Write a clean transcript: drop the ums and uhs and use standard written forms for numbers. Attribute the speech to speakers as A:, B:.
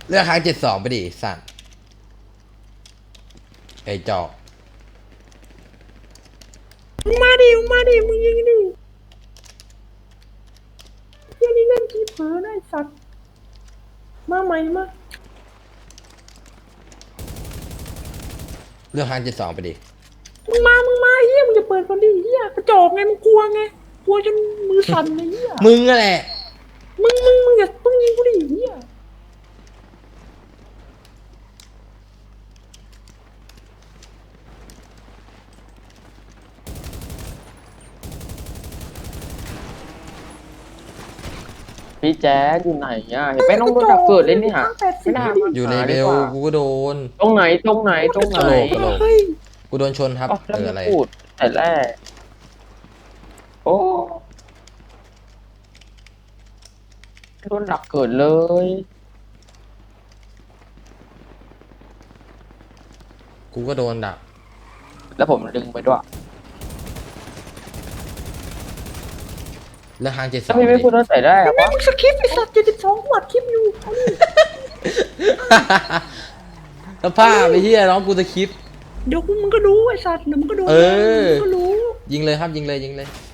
A: เลือกค้าง72ไปดิสัตว์ไอ้จอก
B: มึงมาดิมึงมาดิมึงยิงดิเฮียนี่เล่นทีเผลอได้สัตว์มาใหม่มา
A: เลือกค้าง72ไปดิ
B: มึงมาเฮียมึงจะเปิดก่อนดิเฮียกระจอกไงมึงกลัวไงกลัวจนมือสั่นเลยเฮีย
A: มึงอะแหละ
B: มึงอย่าต้องยิงกูดิเฮีย
C: พี่แจ๊ดอยู่ไหนอ่ะเห็นไหมน้องโดนดักเกิดเลยเนี่ยไม่น่ามา
A: อยู่ใน
C: หา
A: เบ
C: ดี
A: ล
C: กว่า
A: กูก็โดน
C: ตรงไหนตรงไหนตรงไหน
A: กะโหลก
B: เฮ้ย
A: กูโดนชนครับ
C: อ๋อแล้ว
A: เออ
C: ไม่
A: อะไร
C: พูดแต่แรกโอ้โดนดักเกิดเลย
A: กูก็โดนดัก
C: แล้วผมดึงไปด้วย
A: เลือกค้าง72
C: ถ้าพี่ไม่พูดตั้งแต่แรก
B: แม่
C: วะ
B: มึงสคริปต์ไอ้สัตว์72กูอัดคลิปอยู่เอาดิ
A: สภาพไอ้เหี้ยน้องกูจะคลิป
B: เดี๋ยวมึงก็ดูไอ้สัตว์เดี๋ยวมึงก็ดู
A: เออ
B: มึงก็รู้
A: ยิงเลยครับยิงเลย